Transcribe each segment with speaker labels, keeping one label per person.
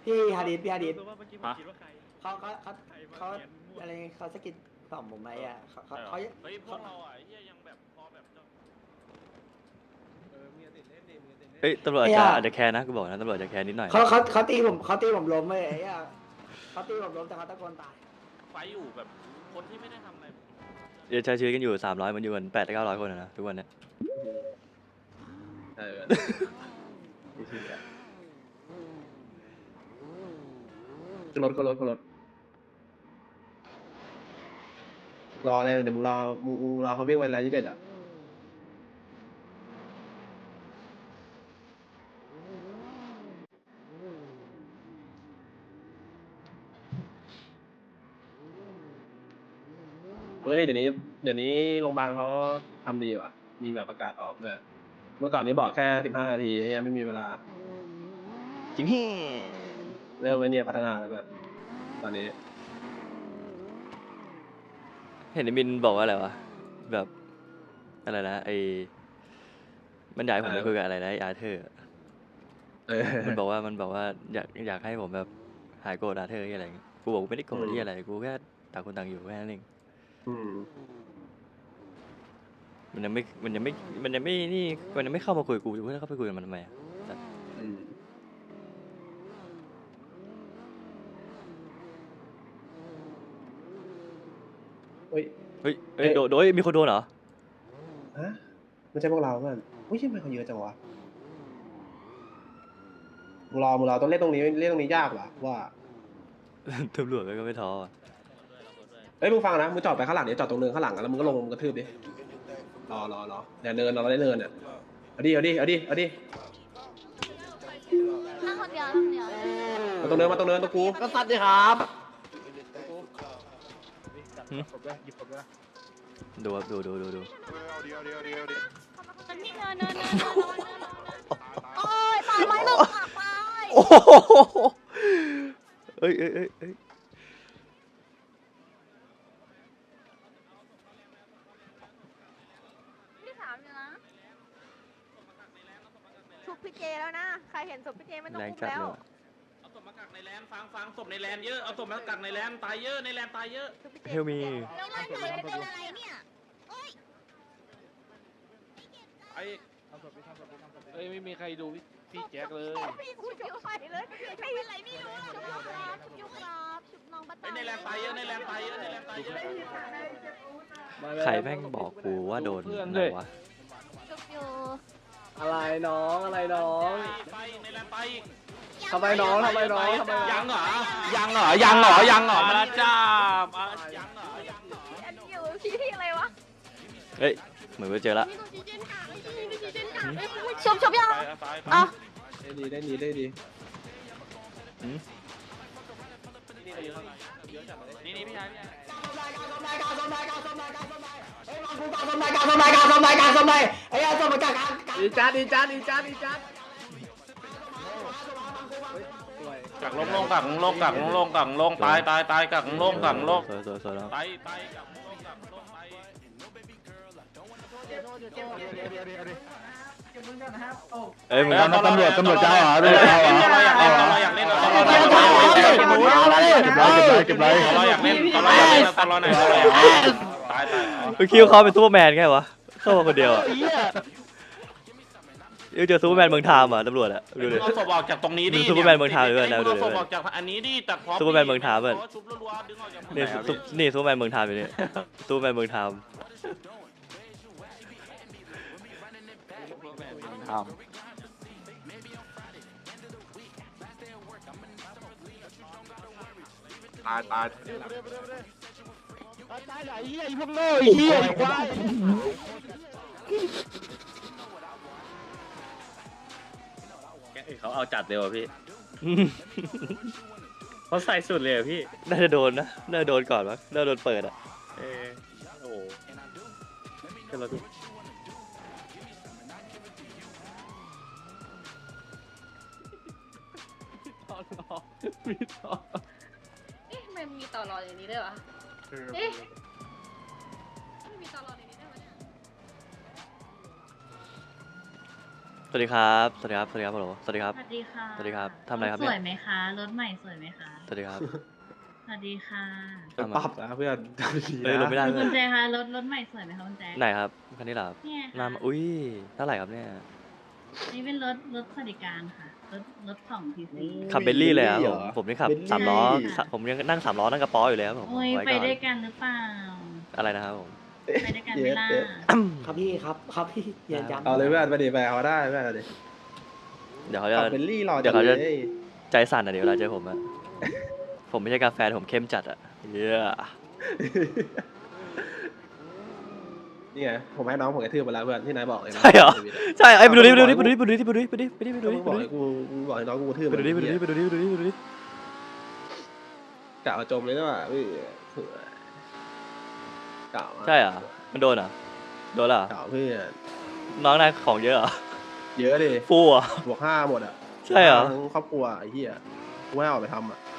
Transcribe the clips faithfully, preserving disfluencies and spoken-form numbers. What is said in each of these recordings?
Speaker 1: พี่ฮาดิสพี่ฮาดิส
Speaker 2: ฮะ
Speaker 1: เขาเขาเขาเขาอะไรเขาสะกิดต่อมผมไหมอ่ะเขาเขาเขา
Speaker 2: เฮ้ยพวกเราอ่ะเฮียยังแบบพอแบบ
Speaker 3: เอ้ยตำรวจอาจจะอาจจะแคร์นะกูบอกนะตำรวจอาจจะแคร์นิดหน่อย
Speaker 1: เขาเขาเขาตีผมเขาตีผมล้มเลยไอ้อะเขาตีผมล้มแต่เขาตะโกนตาย
Speaker 2: ไฟอยู่แบบคนที่ไม่ได้ทำอะไร
Speaker 3: เดี๋ยวใช้ชีวิตกันอยู่สามร้อยมันอยู่กันแปดเก้าร้อยคนนะทุกวันเนี้ย
Speaker 4: เออขึ้นรถขึ้นรถขึ้นรถรอเลยเดี๋ยวมึงรอมึงมึงรอเขาวิ่งไปแล้วยี่สิบเอ็ดอ่ะเฮ้ยเดี๋ยวนี้เดี๋ยวนี้โรงพยาบาลเขาทำดีว่ะมีแบบประกาศออกด้วยเมื่อก่อนนี้บอกแค่สิบห้านาทียังไม่มีเวลา
Speaker 3: จริงฮี่
Speaker 4: เริ่มไว้เนี่ยพัฒนาแล้วแบบตอนนี้
Speaker 3: เห็นไอ้มินบอกว่าอะไรวะแบบอะไรนะไอ้มันอยากให้ผมไปคุยกับอะไรนะไอ้อาร์เธอร์
Speaker 4: เออ
Speaker 3: มันบอกว่ามันบอกว่าอยากอยากให้ผมแบบหายโกรธอาร์เธอร์อะไรอย่างเงี้ยกูบอกกูไม่ได้โกรธที่อะไรกูแค่ต่างคนต่างอยู่แค่นั้นเอง
Speaker 4: อืม
Speaker 3: มันยังไม่มันยังไม่มันยังไม่นี่มันยังไม่เข้ามาคุยกูกูจะเข้าไปคุยกับมันทำไมอะ
Speaker 4: อืมเฮ้ย
Speaker 3: เฮ้ยเฮ้ยโดนโดนเฮ้ยมีคนโดนเหรอ
Speaker 4: ฮะไม่ใช่พวกเราเพื่อนอุ้ยทำไมเขาเยอะจังวะมึงรอมึงรอต้องเล่นตรงนี้เล่นตรงนี้ยากว่ะว่า
Speaker 3: ตำรวจก็ไม่ท้ออ่ะ
Speaker 4: เฮ้ยมึงฟังนะมึงจอดไปข้างหลังเดี๋ยวจอดตรงเนินข้างหลังแล้วมึงก็ลงมึงกระทืบดิรอรอรอเดี๋ยวเนินเราได้เนินอ่ะเอาดิเอาดิเอาดิเอาดิ
Speaker 5: นั่งคนเดียวนั่งคนเดียว
Speaker 4: มาตรงเนินมาตรงเนินตรงกู
Speaker 1: ก็สัตว์ดิครับ
Speaker 3: ดูครับดูดูดูดู
Speaker 5: มันนี่เนินเนินเนินเนินเนินโอ้ยตายไหมลูกตายไป
Speaker 3: โอ้โหเอ้ยเอ้ยเอ้ยเอ้ย
Speaker 5: พี่ถามอยู่นะชุบพี่เจแล้วนะใครเห็นศพพี่เจไม่ต้อง
Speaker 3: แรง
Speaker 5: อุ้ม
Speaker 3: จัด
Speaker 5: แล้ว
Speaker 3: เลยว่ะ
Speaker 2: เอาศพมากักในแลนฟังฟังศพในแลนเยอะเอาศพมากักในแลนตายเยอะในแลนตายเยอะ
Speaker 5: ชุบพี่เจ
Speaker 3: เฮลมี
Speaker 5: แล้วมันเกิดเป็นอะไรเนี่ย
Speaker 2: ไอ้
Speaker 6: เอ้ยไม่มีใครดูพี่พี่แจ็คเลย
Speaker 5: พี่ชุบอยู่ใส่เลยไม่เป็นไรไม่รู้ชุบยูครับชุบยูครับชุบน้องบัต
Speaker 2: ไอ้ในแลนตายเยอะในแลนตายเยอะในแลนตายเยอะ
Speaker 3: ใครแม่งบอกกูว่าโดนอะไรวะ
Speaker 5: ชุบยู
Speaker 4: อะไรน้องอะไรน้อง
Speaker 2: ไปในแลนไปอีก
Speaker 4: ทำไมน้องทำไมน้องทำไม
Speaker 2: ยังเหรอยังเหรอยังเหรอยังเหรอมาแล้วจ้ามายังเหรอยังเหรอ
Speaker 5: อันอยู่พี่ที่อะไรวะ
Speaker 3: เฮ้ยเหมือนว่าเจอละ
Speaker 5: ชุบชุบยัง
Speaker 2: ไปไปไป
Speaker 5: อ่ะ
Speaker 4: ได้ดีได้ดีได้ดี
Speaker 3: หืม
Speaker 2: นี่นี่พี่ชายพี่ชาย
Speaker 1: สมนายการสมนายการสมนายการสมนายการสมนายเฮ้ยมากูการสมนายการสมนายการสมนายการสมนายไอ้ยสมนายการการ
Speaker 4: ดีจัดดีจัดดีจัดดีจัด
Speaker 2: กักลงลงกักลงกักลงกักลงตายตายตายกักลงกักลง
Speaker 3: สวยสวยสวยแล้ว
Speaker 2: ตายตายกักลงกักลงตาย
Speaker 3: เอ้ยมึง
Speaker 2: ตำรวจตำรวจเจ้าเหรอตำรวจเจ้าเหรอเราอยากเล่นเราอยากเล่นเราอยากเล่นเราอยากเล่น
Speaker 6: เก็บไรเก็บไร
Speaker 2: เราอยากเล่นเราอยากเล่นตลอดไหนตลอดตายตาย
Speaker 3: มึงคิดว่าเขาเป็นซูเปอร์แมนแค่วะเข้ามาคนเดียวอ่ะเออเจอซูเปอร์แมนเมืองไทม์อ่ะตำรวจอ่ะดูดิ
Speaker 2: เอาศพออกจากตรงนี้ดิ
Speaker 3: ซูเปอร์แมนเมืองไทยด้วยนะดูดิ
Speaker 2: เอาศพออกจากอันนี้ดิแต่พอ
Speaker 3: ซูเปอร์แมนเมืองไทยเว้ย
Speaker 2: ชุบรัวๆดึงออกจาก
Speaker 3: นี่ซุปนี่ซูเปอร์แมนเมืองไทม์อยู่นี่ซูเปอร์แมนเมืองไทม์
Speaker 6: ตายตาย
Speaker 7: เขาเอาจัดเลยว่ะพี่ เขาใส่สุดเลยอ่ะพี่
Speaker 3: น่าจะโดนนะน่าจะโดนก่อนวะน่าจะโดนเปิดอ่ะ
Speaker 7: เออโอ้โหขึ้นรถพี่
Speaker 5: เอ๊ะมันมีต่อรออย่างนี้ด้วยวะเอ๊ะไม่มีต่อรออย่างนี้ด้วยวะเนี่ย
Speaker 3: สวัสดีครับสวัสดีครับสวัสดีครับฮัลโหลสวัสดีครับ
Speaker 5: สวัสดีค่ะ
Speaker 3: สวัสดีครับทำอะไรครับเนี่
Speaker 5: ส
Speaker 3: ย
Speaker 5: วยไหมคะ รถใหม่สวยไหมคะ
Speaker 3: สวัสดีครับ
Speaker 5: สวัสดีค่ะ
Speaker 4: เป็นปั๊บนะเพื่อนดี
Speaker 3: เฮ้ยลงไม่ได้
Speaker 5: คุณแจ๊คคะรถรถใหม่สวยไหมคะคุณแจ๊ค
Speaker 3: ไหนครับคันนี้เหรอครับ
Speaker 5: เนี่ย
Speaker 3: หน้า
Speaker 5: ค่ะ
Speaker 3: มาอุ้ยเท่าไหร่ครับเนี่ย
Speaker 5: นี่เป็นรถรถสวัสดิการค่ะ รถรถของทีซี
Speaker 3: ขับเบลลี่เลยครับผมผมนี่ขับ
Speaker 4: เบลลี่
Speaker 3: สามล้อ
Speaker 5: ใช่ค่ะ
Speaker 3: ผมยังนั่งสามล้อนั่งกระป๋ออยู่เลยครับผม
Speaker 5: โอ้ย
Speaker 3: ไว้
Speaker 5: ไป
Speaker 3: ก่อน
Speaker 5: ด้วยกันหรือเปล่า
Speaker 3: อะไรนะครับผม
Speaker 5: ไปด้วยกันไหม่ล่ะ
Speaker 1: ครับพี่ครับครับพี่อย่าย้ำ
Speaker 4: เอาเลยเพื่อนไปดิไปเอาได้เพื่อนเอาดิ
Speaker 3: เดี๋ยวเขาจะ
Speaker 4: ขับเบลลี่รอ
Speaker 3: เดี๋ยวเขาจะ
Speaker 4: ล
Speaker 3: ใจสั่นอ่ะเดี๋ยวเวลาเจอผมอะ ผมไม่ใช่กาแฟแต่ผมเข้มจัดอะเย้
Speaker 4: นี่ไงผมให้น้องผมกระทืบไปแล้วเพื่อนที่นายบอกเลยนะ
Speaker 3: ใช่เหรอ
Speaker 4: ชีวิตะ
Speaker 3: ใช่ไอ้ยไปดูดิไปดูดิไปดูดิไปดูดิไปดูดิไปดูดิไปดูดิไปดู
Speaker 4: ก็
Speaker 3: ดิ
Speaker 4: มึงบอกให้กูมึงบอกให้น้องกูกระทืบ
Speaker 3: ไปดูดิไปดูดิไปดูดิไปดูดิไปดูดิ
Speaker 4: กะเอาจมเลยนะว่ะพี่กะ
Speaker 3: ใช่เหรอมันโดนเหรอโดนเหรอก
Speaker 4: ะเพื่อน
Speaker 3: น้องนายของเยอะเหรอ
Speaker 4: เยอะดิ
Speaker 3: ฟูเหรอ่ะ
Speaker 4: บวกห้าหมดอ่ะ
Speaker 3: ใช่เหรอ
Speaker 4: ทั้งครอบครัวไอ้เหี้ยกูไม่ให้ออกไปทำอ่ะ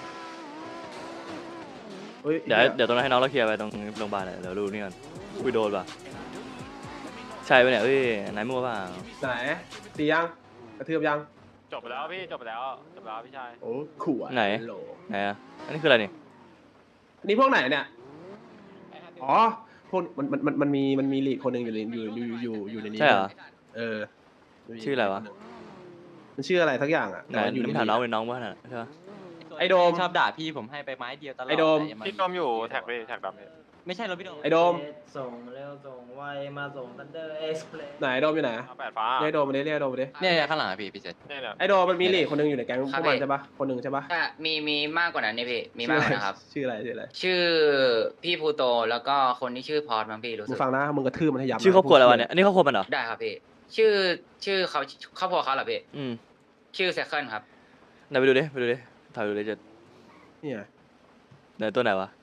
Speaker 4: ฮ้
Speaker 3: เดี๋ยวเดี๋ยวตรงนั้นให้น้องเราเคลียร์ไปตรงโรงพยาบาลหน่อยเดี๋ยวดูนี่ก่อนคุยโดนป่ะใช่ปะเนี่ยเอ้ยนายมั่วเปล่า
Speaker 4: ไหนตียังกระทืบยัง
Speaker 2: จบไปแล้วพี่จบไปแล้วจบไปแล้วพี่ชาย
Speaker 4: โอ้ขู่อะ
Speaker 3: ไหน
Speaker 4: โหล
Speaker 3: ไหนอะอันนี้คืออะไรนี่
Speaker 4: อันนี้พวกไหนเนี่ยอ๋อพวกมันมันมันมันมีมันมีลีดคนหนึ่งอยู่ในอยู่อยู่อยู่อยู่ในนี้
Speaker 3: ใช่เหรอ
Speaker 4: เออ
Speaker 3: ชื่ออะไรวะ
Speaker 4: มันชื่ออะไรทักอย่างอ่ะ
Speaker 3: ไหน
Speaker 4: แต่ว่าอยู่ใน
Speaker 3: น้ำถามน้องเป็นน้องป่ะน่ะใช่ปะ
Speaker 4: ไอโดม
Speaker 8: ชอบด่าพี่ผมให้ไปไม้เดียวตลอด
Speaker 4: ไอ้โดม
Speaker 8: แต่ยังา
Speaker 2: พี่ต้อมอยู่แท็กพี่แท็กดำพี่
Speaker 8: ไม่ใช่รถพี่โดม
Speaker 4: ไอโดม
Speaker 9: ส่งเร็วส่งไวมาส่งทันเดอร์เอ็กซ์เพลส
Speaker 4: ไหนไอโดมอยู่ไหน
Speaker 2: เอาแปดฟ้า
Speaker 4: เรียกไอโดมมาดิเรียกไอโดมมาดิ
Speaker 8: เนี่ยเนี่ยข้างหลังอะพี่พี่เจษ
Speaker 2: เนี่ยเนี่ย
Speaker 4: ไอโดมมันมีลีดคนหนึ่งอยู่ในแก๊งพ
Speaker 10: ครั
Speaker 4: ว
Speaker 10: บ
Speaker 4: กมัน
Speaker 10: พี่
Speaker 4: ใช่ปะคนหนึ่งใช่ปะ
Speaker 10: อ่ะมีมีมากกว่านั้นนี่พี่ มีมากกว่านะครับ
Speaker 4: ชื่ออะไรชื่ออะไร
Speaker 10: ชื่อพี่ภูโตแล้วก็คนที่ชื่อพอร์ตมั้งพี่รู้
Speaker 4: มึ
Speaker 10: สึ
Speaker 4: ง
Speaker 10: ก
Speaker 4: ฟังนะมึงกระทืบมันให้ยับนะ
Speaker 3: ชื่อครอบครัวอะไรวะเนี่ยอันนี้ครอบครัวมันเหรอ
Speaker 10: ได้ครับพี่ ชื่อชื่อเขาครอบครัวเขาเหรอพี่
Speaker 3: อืม
Speaker 10: ชื่อเซคันครับ
Speaker 3: ไหนไปดูดิไปดูดิถ่ายดูดิจะ
Speaker 4: เนี่ย
Speaker 3: ไหนตัวไหนวะ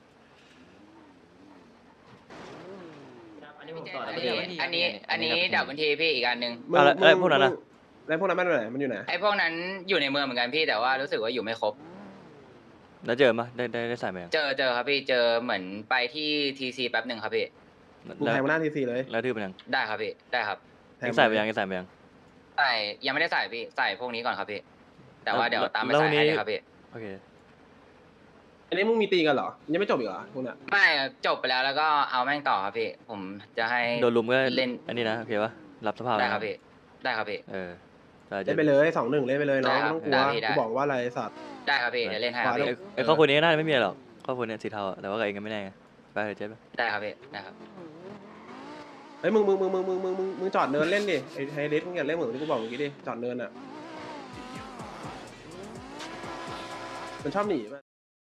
Speaker 9: อันนี้ผมต่อ
Speaker 10: อัน
Speaker 9: ได้
Speaker 10: นี้
Speaker 9: ไหม
Speaker 10: อันนี้อันนี้ดับบันทีพี่อีกอันหนึ่ง
Speaker 4: มึง
Speaker 3: เอาแล้ว
Speaker 4: มึง
Speaker 3: แล้วพวกนั้นน่ะ
Speaker 4: แล้วพวกนั้นมันอยู่ไหนมันอยู่ไหน
Speaker 10: ไอ้พวกนั้นอยู่ในเมืองเหมือนกันพี่แต่ว่ารู้สึกว่าอยู่ไม่ครบ
Speaker 3: แล้วเจอปะได้ได้ได้ใส่ไหมยัง
Speaker 10: เจอเจอครับพี่เจอเหมือนไปที่ทีซีแป๊บหนึ่งครับพี่
Speaker 4: มึง
Speaker 3: แล้ว
Speaker 4: แทงมาหน้าทีซีเลย
Speaker 3: แล้วทืบมันยัง
Speaker 10: ได้ครับพี่ได้ครับ
Speaker 4: แทง
Speaker 3: ยังใส่ไปยังยังใส่ไปยัง
Speaker 10: ใส่ยังไม่ได้ใส่พี่ใส่พวกนี้ก่อนครับพี่ แต่ว่าเดี๋ยวตามไป
Speaker 3: แล้ว
Speaker 10: ใส่
Speaker 3: นี้
Speaker 10: ให้เลยครับพี่
Speaker 3: โอเค
Speaker 4: อันนี้มึงมีตีกันเหรอยังไม่จบอีกเหรอพวกเนี้ย
Speaker 10: ไม่จบไปแล้วแล้วก็เอาแม่งต่อครับพี่ ผมจะให้
Speaker 3: โดนลุมก็
Speaker 10: เล่น
Speaker 3: อันนี้นะโอเคปะรับสภาพ
Speaker 10: ได้
Speaker 3: นะครับ
Speaker 10: พี่ได้ครับพี่
Speaker 3: เออได้
Speaker 4: เล่นไปเลยสองหนึ่งเล่นไปเลยน้อง
Speaker 10: ได้ครับ
Speaker 4: ไม่ต้องกลัว
Speaker 10: ได้พี่ได้
Speaker 4: กูบอกว่าอะไรสัตว์
Speaker 10: ได้ครับพี่เดี๋ยวเล่นให้ครับ
Speaker 4: ขวา
Speaker 10: พี่
Speaker 3: ไอ้ไอ้ครอบครัวนี้น่าจะไม่มีอะไรหรอกครอบครัวเนี้สีเทาอะแต่ว่ากับเองก็ไม่แน่ไงไปเถอะเจ๊ไป
Speaker 10: ได้ครับพี่ได้ครับ
Speaker 4: เฮ้ยมึงมึงมึงมึงมึงมึงมึงมึงจอดเนินเล่นดิไอ้ไฮเดสมึงอย่าเล่นเหมือนที่กูบอกเมื่อกี้ดิจอดเนินอ่ะมันชอบหนีป่ะ